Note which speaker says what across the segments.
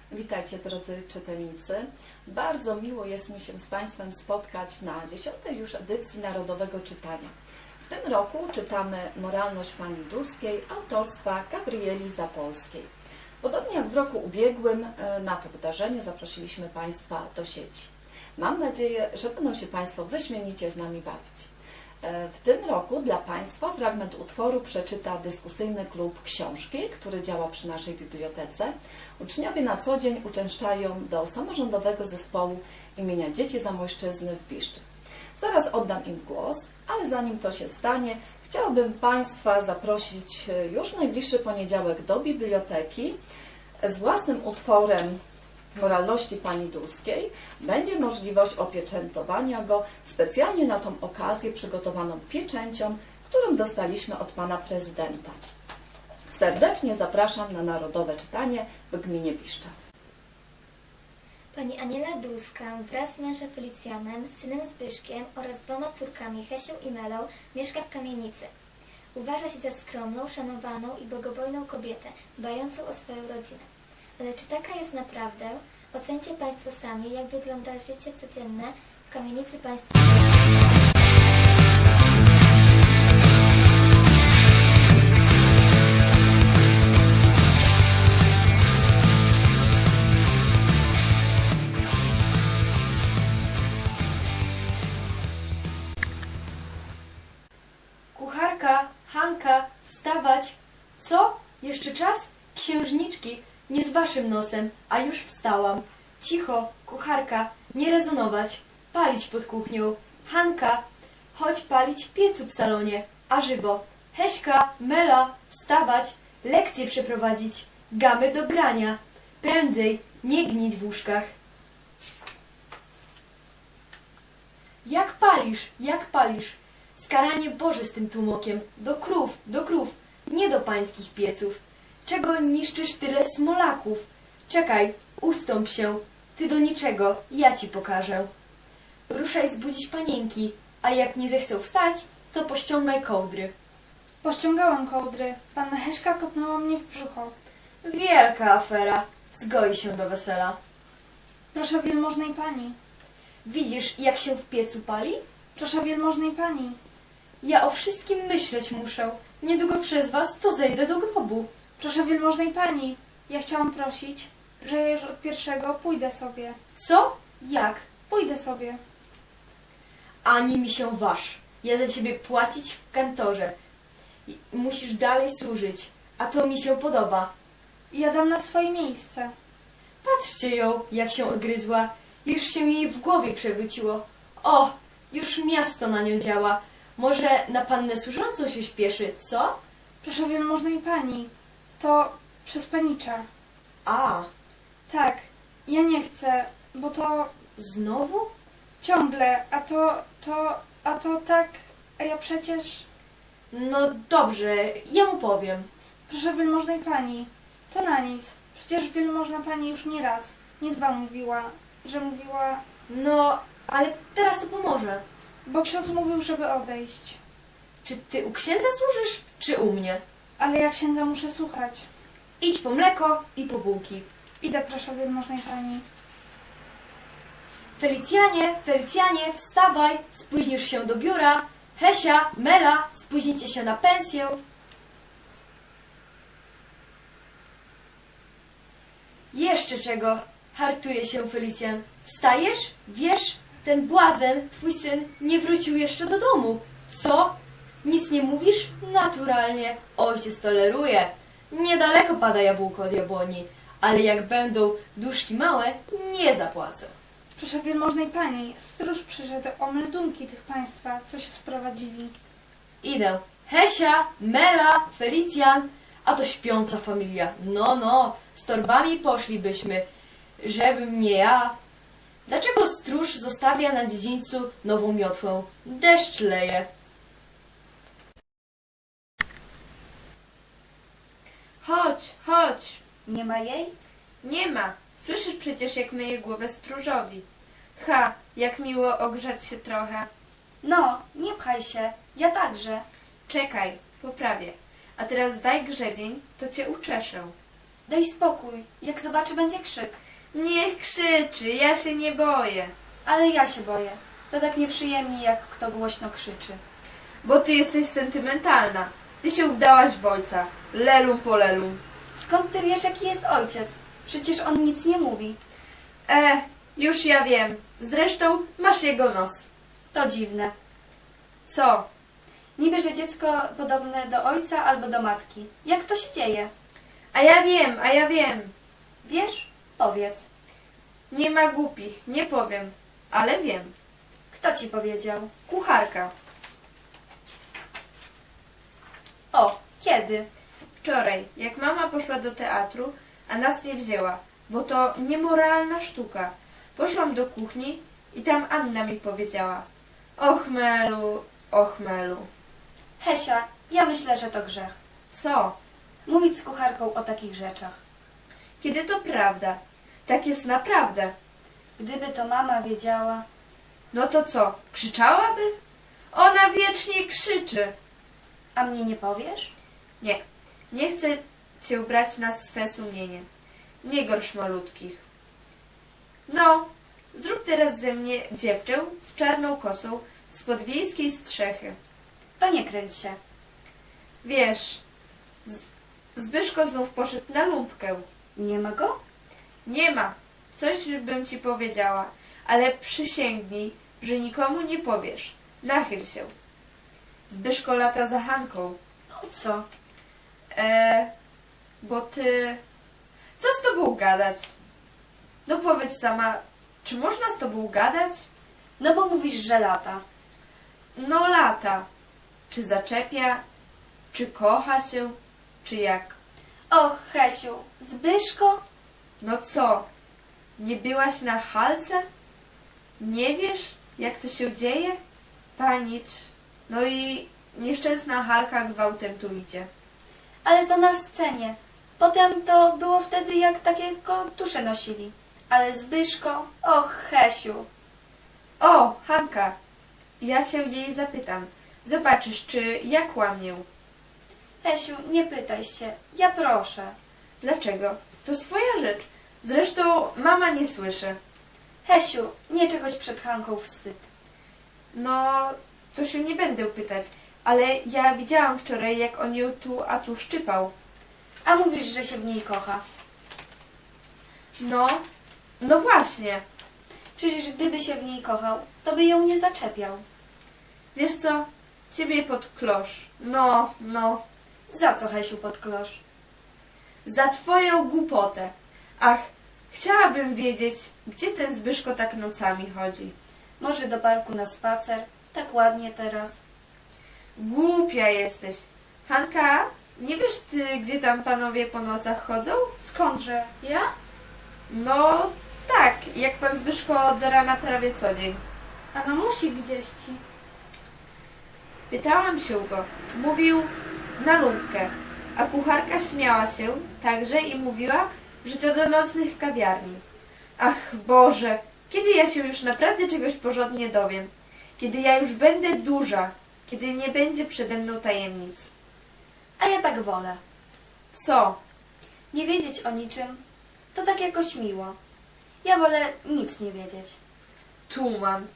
Speaker 1: Witajcie drodzy czytelnicy. Bardzo miło jest mi się z Państwem spotkać na 10. już edycji Narodowego Czytania. W tym roku czytamy Moralność Pani Dulskiej autorstwa Gabrieli Zapolskiej. Podobnie jak w roku ubiegłym na to wydarzenie zaprosiliśmy Państwa do sieci. Mam nadzieję, że będą się Państwo wyśmienicie z nami bawić. W tym roku dla Państwa fragment utworu przeczyta dyskusyjny klub książki, który działa przy naszej bibliotece. Uczniowie na co dzień uczęszczają do samorządowego zespołu imienia Dzieci Zamojszczyzny w Biszczy. Zaraz oddam im głos, ale zanim to się stanie, chciałabym Państwa zaprosić już w najbliższy poniedziałek do biblioteki z własnym utworem Moralności Pani Dulskiej. Będzie możliwość opieczętowania go specjalnie na tą okazję przygotowaną pieczęcią, którą dostaliśmy od Pana Prezydenta. Serdecznie zapraszam na Narodowe Czytanie w gminie Biszcza.
Speaker 2: Pani Aniela Dulska wraz z mężem Felicjanem, z synem Zbyszkiem oraz 2 córkami Hesią i Melą mieszka w kamienicy. Uważa się za skromną, szanowaną i bogobojną kobietę, dbającą o swoją rodzinę. Ale czy taka jest naprawdę? Ocencie Państwo sami, jak wygląda życie codzienne w kamienicy państwa.
Speaker 3: Kucharka, Hanka, wstawać! Co? Jeszcze czas? Księżniczki, nie z waszym nosem, a już wstałam. Cicho, kucharka, nie rezonować. Palić pod kuchnią. Hanka, chodź palić w piecu w salonie, a żywo. Heśka, Mela, wstawać, lekcje przeprowadzić, gamy do grania. Prędzej, nie gnić w łóżkach. Jak palisz, jak palisz? Skaranie Boże z tym tłumokiem. Do krów, nie do pańskich pieców. Czego niszczysz tyle smolaków? Czekaj, ustąp się. Ty do niczego, ja ci pokażę. Ruszaj zbudzić panienki, a jak nie zechcą wstać, to pościągaj kołdry.
Speaker 4: Pościągałam kołdry. Panna Heszka kopnęła mnie w brzucho.
Speaker 3: Wielka afera. Zgoi się do wesela.
Speaker 4: Proszę wielmożnej pani.
Speaker 3: Widzisz, jak się w piecu pali?
Speaker 4: Proszę wielmożnej pani.
Speaker 3: Ja o wszystkim myśleć muszę. Niedługo przez was to zejdę do grobu.
Speaker 4: Proszę wielmożnej pani. Ja chciałam prosić, że ja już od pierwszego pójdę sobie.
Speaker 3: Co? Jak?
Speaker 4: Pójdę sobie.
Speaker 3: Ani mi się waż. Ja za ciebie płacić w kantorze. Musisz dalej służyć. A to mi się podoba.
Speaker 4: Ja dam na swoje miejsce.
Speaker 3: Patrzcie ją, jak się odgryzła. Już się jej w głowie przewróciło. O, już miasto na nią działa. Może na pannę służącą się śpieszy, co?
Speaker 4: Proszę wielmożnej pani. To przez panicza.
Speaker 3: A,
Speaker 4: Tak, ja nie chcę, bo to
Speaker 3: znowu?
Speaker 4: ciągle, a to tak, a ja przecież...
Speaker 3: No dobrze, ja mu powiem.
Speaker 4: Proszę wielmożnej pani, to na nic. Przecież wielmożna pani już nie raz, nie 2 mówiła, że mówiła,
Speaker 3: No, ale teraz to pomoże.
Speaker 4: bo ksiądz mówił, żeby odejść.
Speaker 3: Czy ty u księdza służysz, czy u mnie?
Speaker 4: Ale ja księdza muszę słuchać.
Speaker 3: Idź po mleko i po bułki.
Speaker 4: Idę, proszę wielmożnej pani.
Speaker 3: Felicjanie, wstawaj, spóźnisz się do biura. Hesia, Mela, spóźnicie się na pensję. Jeszcze czego? Hartuje się Felicjan. Wstajesz? Wiesz, ten błazen, twój syn, nie wrócił jeszcze do domu. Co? Nic nie mówisz? Naturalnie. Ojciec toleruje. Niedaleko pada jabłko od jabłoni, ale jak będą duszki małe, nie zapłacę.
Speaker 4: Proszę wielmożnej pani, stróż przyszedł o meldunki tych państwa, co się sprowadzili.
Speaker 3: Idę. Hesia, Mela, Felicjan, a to śpiąca familia. No, z torbami poszlibyśmy, żebym nie ja. Dlaczego stróż zostawia na dziedzińcu nową miotłę? Deszcz leje.
Speaker 5: Chodź. Nie ma jej? Nie ma. Słyszysz przecież, jak myje głowę stróżowi. Ha, jak miło ogrzać się trochę.
Speaker 6: No, nie pchaj się. Ja także.
Speaker 5: Czekaj, poprawię. A teraz daj grzebień, to cię uczeszę.
Speaker 6: Daj spokój. Jak zobaczy, będzie krzyk.
Speaker 5: Niech krzyczy, ja się nie boję.
Speaker 6: Ale ja się boję. To tak nieprzyjemnie, jak kto głośno krzyczy.
Speaker 5: Bo ty jesteś sentymentalna. Ty się wdałaś w ojca. Lelum po lelum.
Speaker 6: Skąd ty wiesz, jaki jest ojciec? Przecież on nic nie mówi.
Speaker 5: Już ja wiem. Zresztą masz jego nos.
Speaker 6: To dziwne.
Speaker 5: Co?
Speaker 6: Niby, że dziecko podobne do ojca albo do matki. Jak to się dzieje?
Speaker 5: A ja wiem.
Speaker 6: Wiesz? Powiedz.
Speaker 5: Nie ma głupich, nie powiem. Ale wiem.
Speaker 6: Kto ci powiedział?
Speaker 5: Kucharka.
Speaker 6: O, kiedy?
Speaker 5: Wczoraj, jak mama poszła do teatru, a nas nie wzięła, bo to niemoralna sztuka. Poszłam do kuchni i tam Anna mi powiedziała: och Melu, och Melu.
Speaker 6: Hesia, ja myślę, że to grzech.
Speaker 5: Co?
Speaker 6: Mówić z kucharką o takich rzeczach.
Speaker 5: Kiedy to prawda? Tak jest naprawdę.
Speaker 6: Gdyby to mama wiedziała...
Speaker 5: No to co, krzyczałaby? Ona wiecznie krzyczy.
Speaker 6: A mnie nie powiesz?
Speaker 5: Nie, nie chcę cię brać na swe sumienie. Nie gorsz malutkich. No, zrób teraz ze mnie dziewczę z czarną kosą z podwiejskiej strzechy.
Speaker 6: To nie kręć się.
Speaker 5: Wiesz, Zbyszko znów poszedł na lumpkę.
Speaker 6: Nie ma go?
Speaker 5: Nie ma. Coś bym ci powiedziała, ale przysięgnij, że nikomu nie powiesz. Nachyl się. Zbyszko lata za Hanką.
Speaker 6: Po co?
Speaker 5: Bo ty... Co z tobą gadać? No powiedz sama, czy można z tobą gadać?
Speaker 6: No bo mówisz, że lata.
Speaker 5: No lata. Czy zaczepia? Czy kocha się? Czy jak?
Speaker 6: Och, Hesiu, Zbyszko?
Speaker 5: No co? Nie byłaś na halce? Nie wiesz, jak to się dzieje? Panicz. No i nieszczęsna Halka gwałtem tu idzie.
Speaker 6: Ale to na scenie. Potem to było wtedy, jak takie tusze nosili. Ale Zbyszko... Och, Hesiu.
Speaker 5: O, Hanka! Ja się jej zapytam. Zobaczysz, czy ja kłamię.
Speaker 6: Hesiu, nie pytaj się. Ja proszę.
Speaker 5: Dlaczego? To swoja rzecz. Zresztą mama nie słyszy.
Speaker 6: Hesiu, nie czegoś przed Hanką wstyd.
Speaker 5: No, to się nie będę pytać. Ale ja widziałam wczoraj, jak on ją tu a tu szczypał.
Speaker 6: A mówisz, że się w niej kocha.
Speaker 5: No właśnie.
Speaker 6: Przecież gdyby się w niej kochał, to by ją nie zaczepiał.
Speaker 5: Wiesz co? Ciebie pod klosz. No.
Speaker 6: Za co, Hesiu, pod klosz?
Speaker 5: Za twoją głupotę. Ach, chciałabym wiedzieć, gdzie ten Zbyszko tak nocami chodzi.
Speaker 6: Może do parku na spacer? Tak ładnie teraz.
Speaker 5: Głupia jesteś. Hanka, nie wiesz ty, gdzie tam panowie po nocach chodzą?
Speaker 4: Skądże? Ja?
Speaker 5: No, tak, jak pan Zbyszko do rana prawie co dzień.
Speaker 4: A mamusi gdzieś ci.
Speaker 5: Pytałam się go. Mówił na lumpkę, a kucharka śmiała się także i mówiła, że to do nocnych kawiarni. Ach Boże, kiedy ja się już naprawdę czegoś porządnie dowiem? Kiedy ja już będę duża, kiedy nie będzie przede mną tajemnic.
Speaker 6: A ja tak wolę.
Speaker 5: Co?
Speaker 6: Nie wiedzieć o niczym, to tak jakoś miło. Ja wolę nic nie wiedzieć.
Speaker 5: Tuman.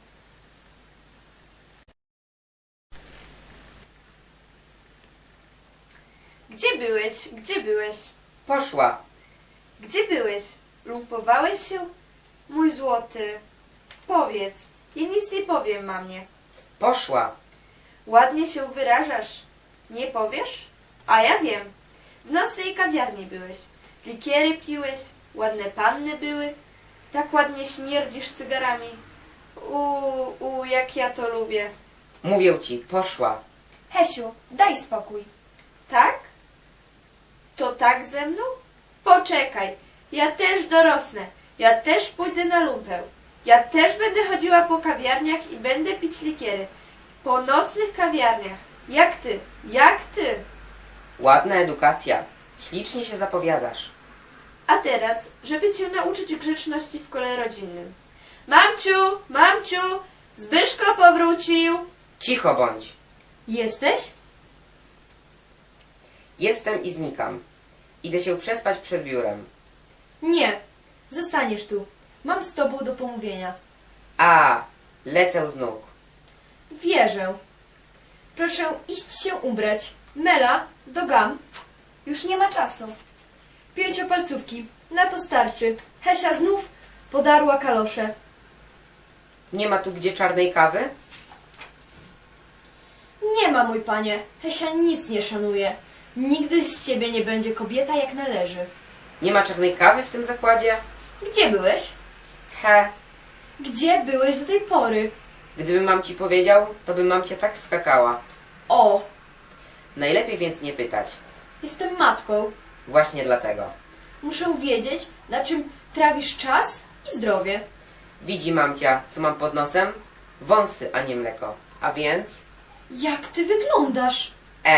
Speaker 5: Gdzie byłeś? Gdzie byłeś?
Speaker 7: Poszła.
Speaker 5: Gdzie byłeś? Lumpowałeś się? Mój złoty, powiedz. Ja nic nie powiem, mamie.
Speaker 7: Poszła.
Speaker 5: Ładnie się wyrażasz. Nie powiesz? A ja wiem. W nocnej kawiarni byłeś. Likiery piłeś, ładne panny były. Tak ładnie śmierdzisz cygarami. Jak ja to lubię.
Speaker 7: Mówię ci, poszła.
Speaker 6: Hesiu, daj spokój.
Speaker 5: Tak? To tak ze mną? Poczekaj, ja też dorosnę. Ja też pójdę na lumpę. Ja też będę chodziła po kawiarniach i będę pić likiery. Po nocnych kawiarniach. Jak ty, jak ty.
Speaker 7: Ładna edukacja. Ślicznie się zapowiadasz.
Speaker 5: A teraz, żeby cię nauczyć grzeczności w kole rodzinnym. Mamciu, Zbyszko powrócił.
Speaker 7: Cicho bądź.
Speaker 3: Jesteś?
Speaker 7: Jestem i znikam. Idę się przespać przed biurem.
Speaker 3: Nie, zostaniesz tu. Mam z tobą do pomówienia.
Speaker 7: A, lecę z nóg.
Speaker 3: Wierzę. Proszę iść się ubrać. Mela, do gam.
Speaker 6: Już nie ma czasu.
Speaker 3: Pięciopalcówki. Na to starczy. Hesia znów podarła kalosze.
Speaker 7: Nie ma tu gdzie czarnej kawy?
Speaker 3: Nie ma, mój panie. Hesia nic nie szanuje. Nigdy z ciebie nie będzie kobieta jak należy.
Speaker 7: Nie ma czarnej kawy w tym zakładzie?
Speaker 3: Gdzie byłeś?
Speaker 7: He,
Speaker 3: Gdzie byłeś do tej pory?
Speaker 7: gdybym mam ci powiedział, to bym mam cię tak skakała.
Speaker 3: O,
Speaker 7: Najlepiej więc nie pytać.
Speaker 3: jestem matką.
Speaker 7: Właśnie dlatego.
Speaker 3: Muszę wiedzieć, na czym trawisz czas i zdrowie.
Speaker 7: Widzi mamcia, co mam pod nosem? Wąsy, a nie mleko. A więc?
Speaker 3: Jak ty wyglądasz?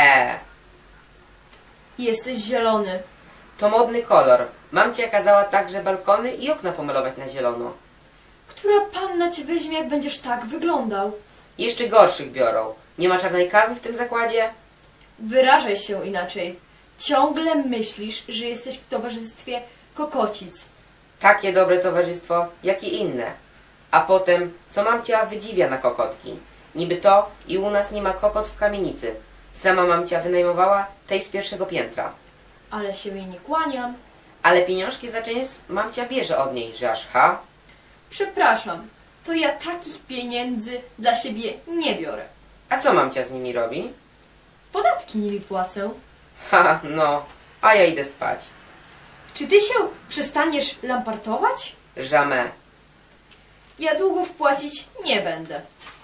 Speaker 3: Jesteś zielony.
Speaker 7: To modny kolor. Mamcia kazała także balkony i okna pomalować na zielono.
Speaker 3: Która panna cię weźmie, jak będziesz tak wyglądał?
Speaker 7: Jeszcze gorszych biorą. Nie ma czarnej kawy w tym zakładzie?
Speaker 3: Wyrażaj się inaczej. Ciągle myślisz, że jesteś w towarzystwie kokocic.
Speaker 7: Takie dobre towarzystwo, jak i inne. A potem, co mamcia wydziwia na kokotki? Niby to i u nas nie ma kokot w kamienicy. Sama mamcia wynajmowała tej z pierwszego piętra.
Speaker 3: Ale się jej nie kłaniam.
Speaker 7: Ale pieniążki za czynsz mamcia bierze od niej, że aż ha?
Speaker 3: Przepraszam, to ja takich pieniędzy dla siebie nie biorę.
Speaker 7: A co mamcia z nimi robi?
Speaker 3: Podatki nimi płacę.
Speaker 7: Ha, no, a ja idę spać.
Speaker 3: Czy ty się przestaniesz lampartować?
Speaker 7: Jamais.
Speaker 3: Ja długów płacić nie będę.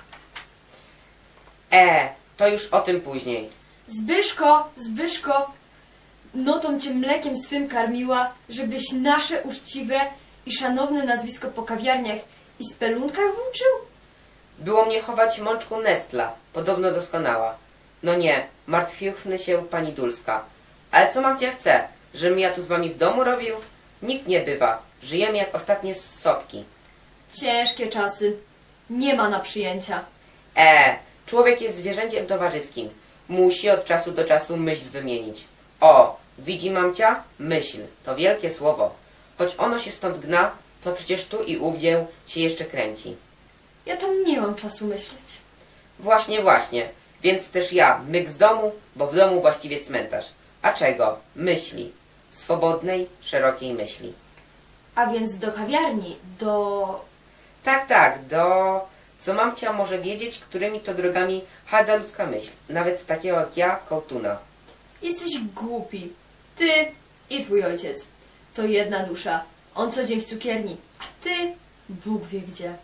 Speaker 7: To już o tym później.
Speaker 3: Zbyszko, notą cię mlekiem swym karmiła, żebyś nasze uczciwe i szanowne nazwisko po kawiarniach i spelunkach włóczył?
Speaker 7: Było mnie chować mączką Nestla, podobno doskonała. No nie, martwiuchny się pani Dulska. Ale co mamcia chce, żebym ja tu z wami w domu robił? Nikt nie bywa, żyjemy jak ostatnie sopki.
Speaker 3: Ciężkie czasy. Nie ma na przyjęcia.
Speaker 7: Człowiek jest zwierzęciem towarzyskim. Musi od czasu do czasu myśl wymienić. O, widzi mamcia? Myśl, to wielkie słowo. Choć ono się stąd gna, to przecież tu i ówdzie się jeszcze kręci.
Speaker 3: Ja tam nie mam czasu myśleć.
Speaker 7: Właśnie. Więc też ja, myk z domu, bo w domu właściwie cmentarz. A czego? Myśli. Swobodnej, szerokiej myśli.
Speaker 3: A więc do kawiarni, do...
Speaker 7: Tak, co mamcia może wiedzieć, którymi to drogami chadza ludzka myśl. Nawet takiego jak ja, kołtuna.
Speaker 3: Jesteś głupi. Ty i twój ojciec. To jedna dusza. On co dzień w cukierni, a ty Bóg wie gdzie.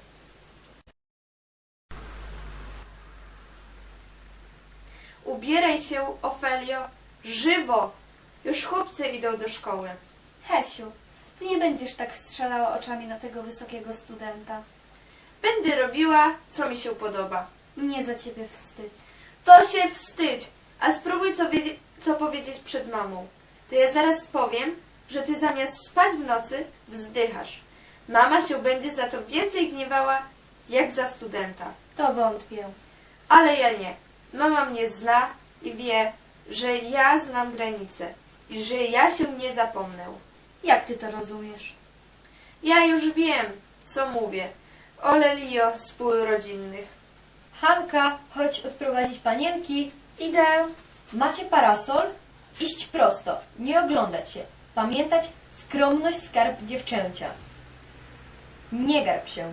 Speaker 5: Ubieraj się, Ofelio, żywo! Już chłopcy idą do szkoły.
Speaker 4: Hesiu, ty nie będziesz tak strzelała oczami na tego wysokiego studenta.
Speaker 5: Będę robiła, co mi się podoba.
Speaker 4: Mnie za ciebie wstyd.
Speaker 5: To się wstydź, a spróbuj co powiedzieć przed mamą. To ja zaraz powiem, że ty zamiast spać w nocy, wzdychasz. Mama się będzie za to więcej gniewała, jak za studenta.
Speaker 4: To wątpię.
Speaker 5: Ale ja nie. Mama mnie zna i wie, że ja znam granice i że ja się nie zapomnę.
Speaker 4: Jak ty to rozumiesz?
Speaker 5: Ja już wiem, co mówię. Ole Lio spół rodzinnych.
Speaker 3: Hanka, chodź odprowadzić panienki.
Speaker 4: Idę.
Speaker 3: Macie parasol? Iść prosto, nie oglądać się. Pamiętać, skromność skarb dziewczęcia. Nie garb się.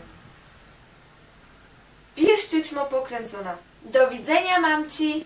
Speaker 5: Bierz ciućmo pokręcona. Do widzenia, mamci.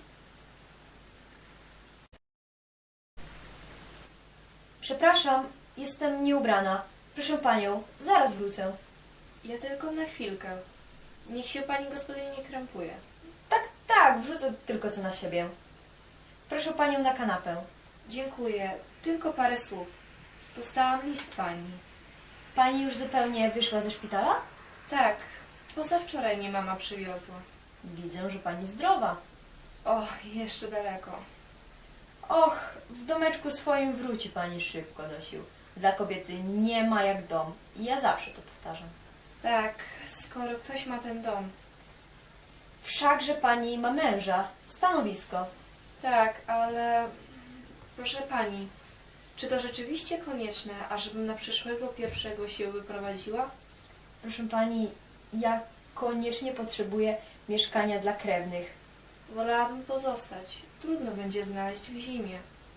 Speaker 3: Przepraszam, jestem nieubrana. Proszę panią, zaraz wrócę.
Speaker 8: Ja tylko na chwilkę. Niech się pani gospodyni nie krępuje.
Speaker 3: Tak, wrzucę tylko co na siebie. Proszę panią na kanapę.
Speaker 8: Dziękuję. Tylko parę słów. Dostałam list pani.
Speaker 3: Pani już zupełnie wyszła ze szpitala?
Speaker 8: Tak, pozawczoraj mnie mama przywiozła.
Speaker 3: Widzę, że pani zdrowa.
Speaker 8: O, jeszcze daleko.
Speaker 3: Och, w domeczku swoim wróci pani szybko, nosił. Dla kobiety nie ma jak dom. I ja zawsze to powtarzam.
Speaker 8: Tak, skoro ktoś ma ten dom.
Speaker 3: Wszakże pani ma męża, stanowisko.
Speaker 8: Tak, ale... Proszę pani, Czy to rzeczywiście konieczne, ażebym na przyszłego pierwszego się wyprowadziła?
Speaker 3: Proszę pani, ja koniecznie potrzebuję mieszkania dla krewnych.
Speaker 8: Wolałabym pozostać. Trudno będzie znaleźć w zimie.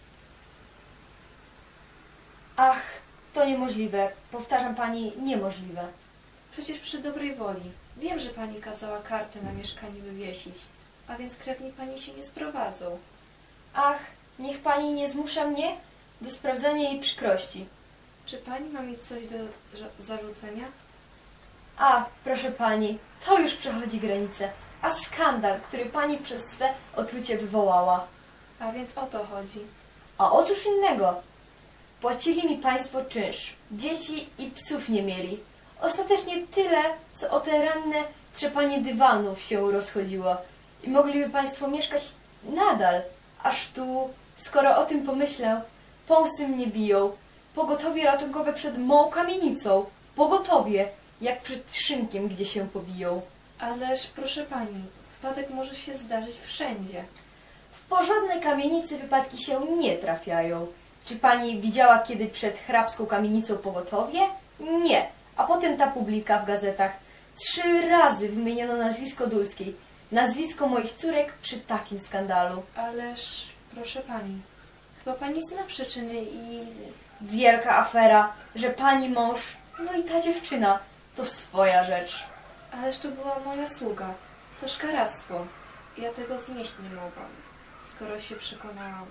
Speaker 3: Ach, to niemożliwe. Powtarzam pani, niemożliwe.
Speaker 8: Przecież przy dobrej woli. Wiem, że pani kazała kartę na mieszkanie wywiesić, a więc krewni pani się nie sprowadzą.
Speaker 3: Ach, niech pani nie zmusza mnie do sprawdzania jej przykrości.
Speaker 8: Czy pani ma mi coś do zarzucenia?
Speaker 3: A, proszę pani, to już przechodzi granicę. A skandal, który pani przez swe otrucie wywołała.
Speaker 8: A więc o to chodzi.
Speaker 3: A o cóż innego? Płacili mi państwo czynsz. Dzieci i psów nie mieli. Ostatecznie tyle, co o te ranne trzepanie dywanów się rozchodziło. I mogliby państwo mieszkać nadal. Aż tu, skoro o tym pomyślę, pąsy mnie biją. Pogotowie ratunkowe przed mą kamienicą. Pogotowie, jak przed szynkiem, gdzie się pobiją.
Speaker 8: Ależ, proszę pani, wypadek może się zdarzyć wszędzie.
Speaker 3: W porządnej kamienicy wypadki się nie trafiają. Czy pani widziała kiedy przed hrabską kamienicą pogotowie? Nie. A potem ta publika w gazetach. 3 razy wymieniono nazwisko Dulskiej. Nazwisko moich córek przy takim skandalu.
Speaker 8: Ależ, proszę pani, chyba pani zna przyczyny i...
Speaker 3: Wielka afera, że pani mąż, no i ta dziewczyna, to swoja rzecz.
Speaker 8: Ależ to była moja sługa. To szkaractwo. Ja tego znieść nie mogłam, skoro się przekonałam.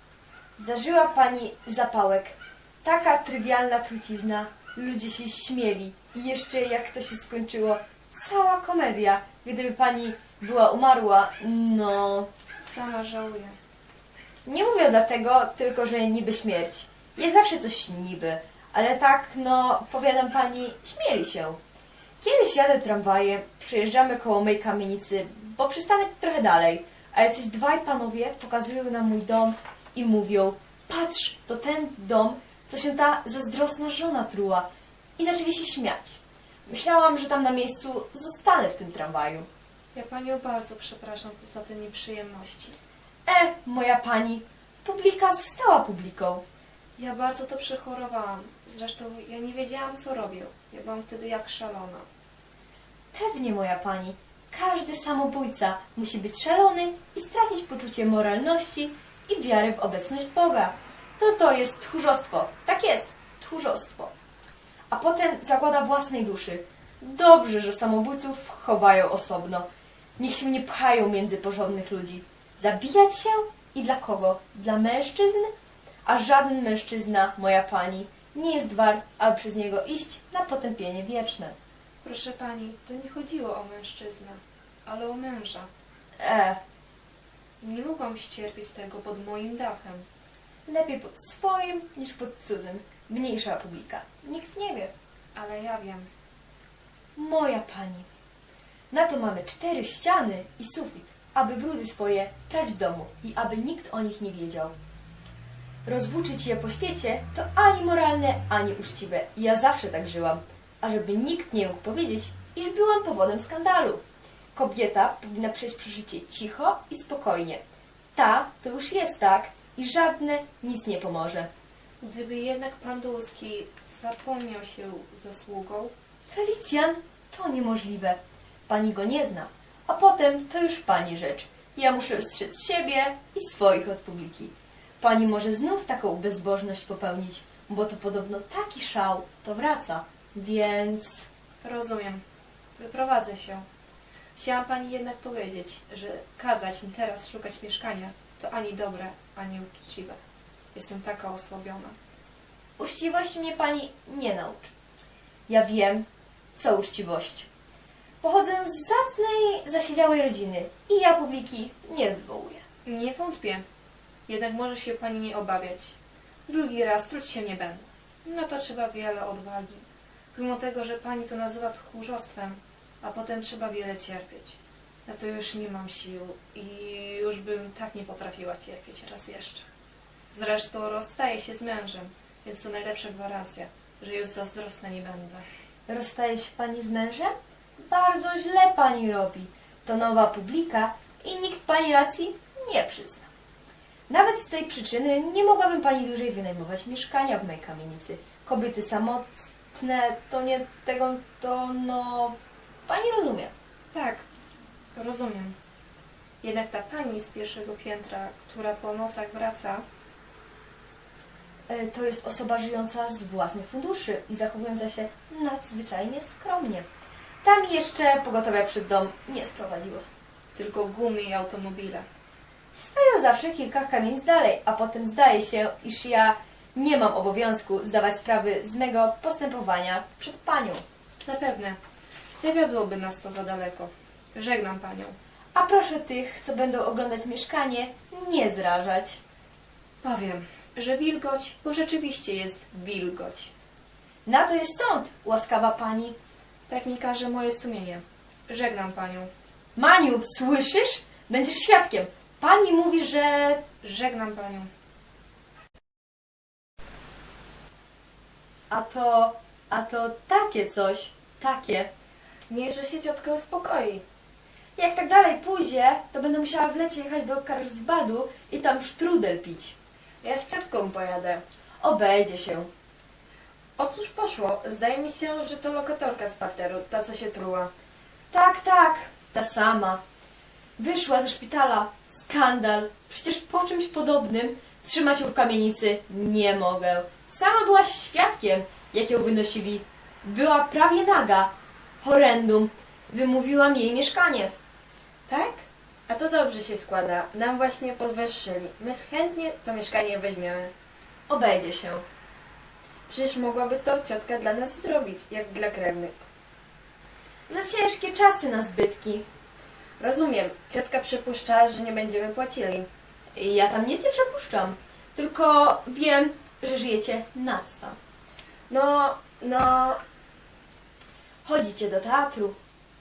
Speaker 3: Zażyła pani zapałek. Taka trywialna trucizna. Ludzie się śmieli. I jeszcze jak to się skończyło, cała komedia. Gdyby pani była umarła, no...
Speaker 8: Sama żałuję.
Speaker 3: Nie mówię dlatego, tylko że niby śmierć. Jest zawsze coś niby. Ale tak, no, powiadam pani, śmieli się. Kiedyś jadę tramwajem, przejeżdżamy koło mojej kamienicy, bo przystanek trochę dalej, a jacyś 2 panowie pokazują na mój dom i mówią: patrz, to ten dom, co się ta zazdrosna żona truła. I zaczęli się śmiać. Myślałam, że tam na miejscu zostanę w tym tramwaju.
Speaker 8: Ja panią bardzo przepraszam za te nieprzyjemności.
Speaker 3: Moja pani, publika została publiką.
Speaker 8: Ja bardzo to przechorowałam. Zresztą ja nie wiedziałam, co robię. Ja byłam wtedy jak szalona.
Speaker 3: Pewnie, moja pani, każdy samobójca musi być szalony i stracić poczucie moralności i wiary w obecność Boga. To jest tchórzostwo. Tak jest, tchórzostwo. A potem zagłada własnej duszy. Dobrze, że samobójców chowają osobno. Niech się nie pchają między porządnych ludzi. Zabijać się? I dla kogo? Dla mężczyzn? A żaden mężczyzna, moja pani, nie jest wart, aby przez niego iść na potępienie wieczne.
Speaker 8: Proszę pani, to nie chodziło o mężczyznę, ale o męża. Nie mogłam ścierpieć tego pod moim dachem.
Speaker 3: Lepiej pod swoim niż pod cudzym. Mniejsza publika. Nikt nie wie.
Speaker 8: Ale ja wiem.
Speaker 3: Moja pani. Na to mamy 4 ściany i sufit, aby brudy swoje prać w domu i aby nikt o nich nie wiedział. Rozwłóczyć je po świecie to ani moralne, ani uczciwe. I ja zawsze tak żyłam, ażeby nikt nie mógł powiedzieć, iż byłam powodem skandalu. Kobieta powinna przejść przez życie cicho i spokojnie. Ta to już jest tak i żadne nic nie pomoże.
Speaker 8: Gdyby jednak pan Dulski zapomniał się zasługą,
Speaker 3: Felicjan, to niemożliwe. Pani go nie zna, a potem to już pani rzecz. Ja muszę strzec siebie i swoich od publiki. Pani może znów taką bezbożność popełnić, bo to podobno taki szał, to wraca. Więc...
Speaker 8: rozumiem. Wyprowadzę się. Chciałam pani jednak powiedzieć, że kazać mi teraz szukać mieszkania to ani dobre, ani uczciwe. Jestem taka osłabiona.
Speaker 3: Uczciwość mnie pani nie nauczy. Ja wiem, co uczciwość. Pochodzę z zacnej, zasiedziałej rodziny i ja publiki nie wywołuję.
Speaker 8: Nie wątpię. Jednak może się pani nie obawiać. Drugi raz truć się nie będę. No to trzeba wiele odwagi. Mimo tego, że pani to nazywa tchórzostwem, a potem trzeba wiele cierpieć. Na to już nie mam sił i już bym tak nie potrafiła cierpieć raz jeszcze. Zresztą rozstaję się z mężem, więc to najlepsza gwarancja, że już zazdrosna nie będę.
Speaker 3: Rozstaje się pani z mężem? Bardzo źle pani robi. To nowa publika i nikt pani racji nie przyzna. Nawet z tej przyczyny nie mogłabym pani dłużej wynajmować mieszkania w mojej kamienicy. Kobiety samotne, to nie tego, to no... Pani rozumie.
Speaker 8: Tak, rozumiem. Jednak ta pani z pierwszego piętra, która po nocach wraca,
Speaker 3: To jest osoba żyjąca z własnych funduszy i zachowująca się nadzwyczajnie skromnie. Tam jeszcze pogotowia przed dom nie sprowadziło.
Speaker 8: tylko gumy i automobile.
Speaker 3: Stają zawsze kilka kamienic dalej, a potem zdaje się, iż ja nie mam obowiązku zdawać sprawy z mego postępowania przed panią.
Speaker 8: Zapewne. Zawiodłoby nas to za daleko. Żegnam panią.
Speaker 3: A proszę tych, co będą oglądać mieszkanie, nie zrażać.
Speaker 8: Powiem, że wilgoć, bo rzeczywiście jest wilgoć.
Speaker 3: Na to jest sąd, łaskawa pani.
Speaker 8: Tak mi każe moje sumienie. Żegnam panią.
Speaker 3: Maniu, słyszysz? Będziesz świadkiem. Pani mówi, że...
Speaker 8: Żegnam panią.
Speaker 3: A to takie coś. Takie.
Speaker 8: Niechże się ciotka uspokoi.
Speaker 3: Jak tak dalej pójdzie, to będę musiała w lecie jechać do Karlsbadu i tam sztrudel pić.
Speaker 8: Ja z ciotką pojadę.
Speaker 3: Obejdzie się.
Speaker 8: O cóż poszło? Zdaje mi się, że to lokatorka z parteru, ta co się truła.
Speaker 3: Tak, ta sama. Wyszła ze szpitala. Skandal. Przecież po czymś podobnym trzymać ją w kamienicy nie mogę. Sama była świadkiem, jak ją wynosili. Była prawie naga. Horrendum. Wymówiłam jej mieszkanie.
Speaker 9: Tak? A to dobrze się składa. Nam właśnie podwyższyli. My chętnie to mieszkanie weźmiemy.
Speaker 3: Obejdzie się.
Speaker 9: Przecież mogłaby to ciotka dla nas zrobić, jak dla krewnych.
Speaker 3: Za ciężkie czasy na zbytki.
Speaker 9: Rozumiem. Ciotka przypuszcza, że nie będziemy płacili.
Speaker 3: I ja tam nic nie przepuszczam. Tylko wiem, że żyjecie nadsta.
Speaker 9: No...
Speaker 3: Chodzicie do teatru.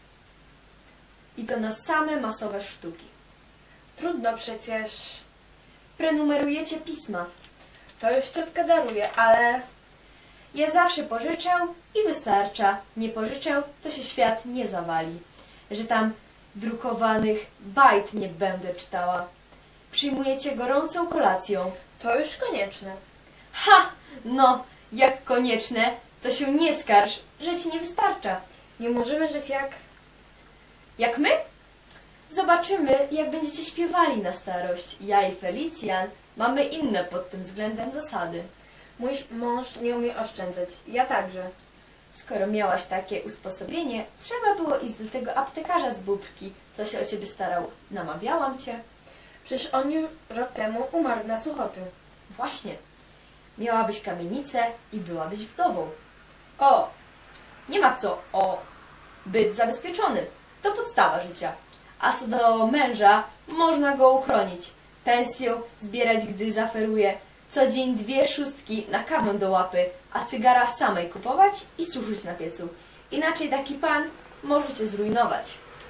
Speaker 3: I to na same masowe sztuki.
Speaker 9: Trudno przecież.
Speaker 3: Prenumerujecie pisma.
Speaker 9: To już ciotka daruje, ale...
Speaker 3: Ja zawsze pożyczę i wystarcza. Nie pożyczę, to się świat nie zawali. Że tam drukowanych bajt nie będę czytała. Przyjmujecie gorącą kolacją.
Speaker 9: To już konieczne.
Speaker 3: Ha! No, jak konieczne, to się nie skarż, że ci nie wystarcza.
Speaker 9: Nie możemy żyć jak...
Speaker 3: Jak my? Zobaczymy, jak będziecie śpiewali na starość. Ja i Felicjan mamy inne pod tym względem zasady.
Speaker 9: Mój mąż nie umie oszczędzać. Ja także.
Speaker 3: Skoro miałaś takie usposobienie, trzeba było iść do tego aptekarza z Bóbrki, co się o ciebie starał. Namawiałam cię.
Speaker 9: Przecież on już rok temu umarł na suchoty.
Speaker 3: Właśnie. Miałabyś kamienicę i byłabyś wdową.
Speaker 9: O!
Speaker 3: Nie ma co być zabezpieczony. To podstawa życia. A co do męża, można go uchronić. Pensję zbierać, gdy zaferuje. Co dzień 2 szóstki na kawę do łapy, a cygara samej kupować i suszyć na piecu. Inaczej taki pan może cię zrujnować.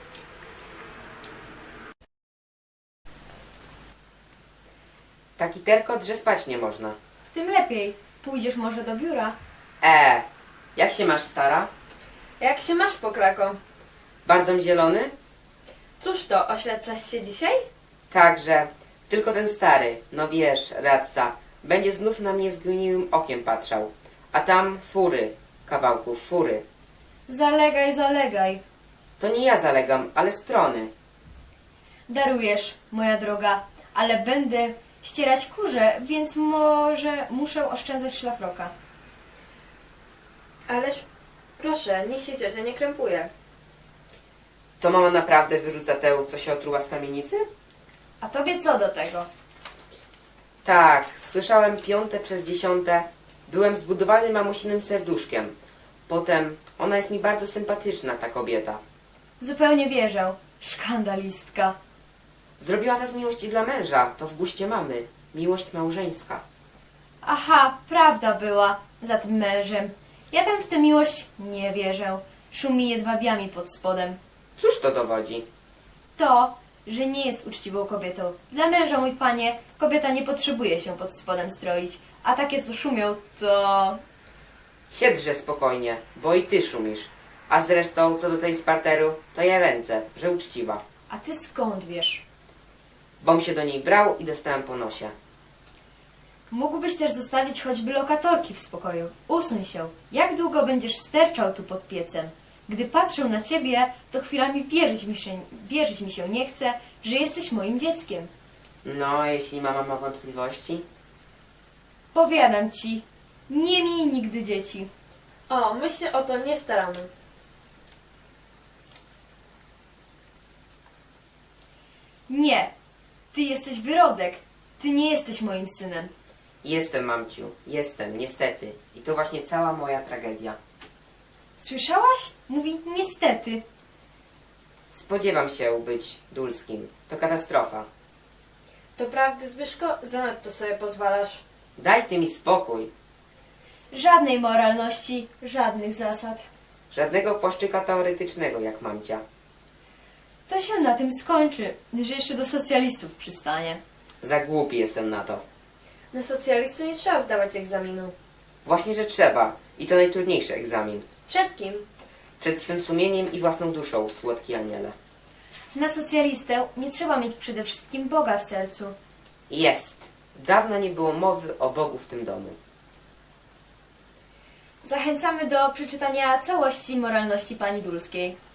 Speaker 7: Taki terkot, że spać nie można.
Speaker 3: Tym lepiej. Pójdziesz może do biura.
Speaker 7: Jak się masz, stara?
Speaker 9: Jak się masz, pokrako?
Speaker 7: Bardzo zielony?
Speaker 9: Cóż to, oświadczasz się dzisiaj?
Speaker 7: Także, tylko ten stary, no wiesz, radca, będzie znów na mnie zgniłym okiem patrzał. A tam fury, kawałków fury.
Speaker 3: Zalegaj.
Speaker 7: To nie ja zalegam, ale strony.
Speaker 3: Darujesz, moja droga, ale będę ścierać kurze, więc może muszę oszczędzać szlafroka.
Speaker 9: Ależ proszę, niech się ciocia nie krępuje.
Speaker 7: To mama naprawdę wyrzuca tę, co się otruła z kamienicy?
Speaker 3: A tobie co do tego?
Speaker 7: Tak, słyszałem 5 przez 10. Byłem zbudowany mamusinym serduszkiem. Potem, ona jest mi bardzo sympatyczna, ta kobieta.
Speaker 3: Zupełnie wierzę. Szkandalistka.
Speaker 7: Zrobiła to z miłości dla męża, to w guście mamy. Miłość małżeńska.
Speaker 3: Aha, prawda była za tym mężem. Ja tam w tę miłość nie wierzę. Szumi jedwabiami pod spodem.
Speaker 7: Cóż to dowodzi?
Speaker 3: To, że nie jest uczciwą kobietą. Dla męża, mój panie, kobieta nie potrzebuje się pod spodem stroić. A takie, co szumią, to...
Speaker 7: Siedźże spokojnie, bo i ty szumisz. A zresztą, co do tej z parteru, to ja ręce, że uczciwa.
Speaker 3: A ty skąd wiesz?
Speaker 7: Bom się do niej brał i dostałem po nosie.
Speaker 3: Mógłbyś też zostawić choćby lokatorki w spokoju. Usuń się. Jak długo będziesz sterczał tu pod piecem? Gdy patrzę na ciebie, to chwilami wierzyć mi się nie chce, że jesteś moim dzieckiem.
Speaker 7: No, a jeśli mama ma wątpliwości?
Speaker 3: Powiadam ci, nie miej nigdy dzieci.
Speaker 9: O, my się o to nie staramy.
Speaker 3: Nie, ty jesteś wyrodek. Ty nie jesteś moim synem.
Speaker 7: Jestem, mamciu. Jestem, niestety. I to właśnie cała moja tragedia.
Speaker 3: Słyszałaś? Mówi niestety.
Speaker 7: Spodziewam się być Dulskim. To katastrofa.
Speaker 9: To prawdy, Zbyszko? Zanadto sobie pozwalasz.
Speaker 7: Daj ty mi spokój.
Speaker 3: Żadnej moralności, żadnych zasad.
Speaker 7: Żadnego płaszczyka teoretycznego, jak mamcia.
Speaker 3: To się na tym skończy, że jeszcze do socjalistów przystanie.
Speaker 7: Za głupi jestem na to.
Speaker 9: Na socjalistę nie trzeba zdawać egzaminu.
Speaker 7: Właśnie, że trzeba. I to najtrudniejszy egzamin.
Speaker 9: Przed kim?
Speaker 7: Przed swym sumieniem i własną duszą, słodki aniele.
Speaker 3: Na socjalistę nie trzeba mieć przede wszystkim Boga w sercu.
Speaker 7: Jest. Dawno nie było mowy o Bogu w tym domu.
Speaker 3: Zachęcamy do przeczytania całości moralności pani Dulskiej.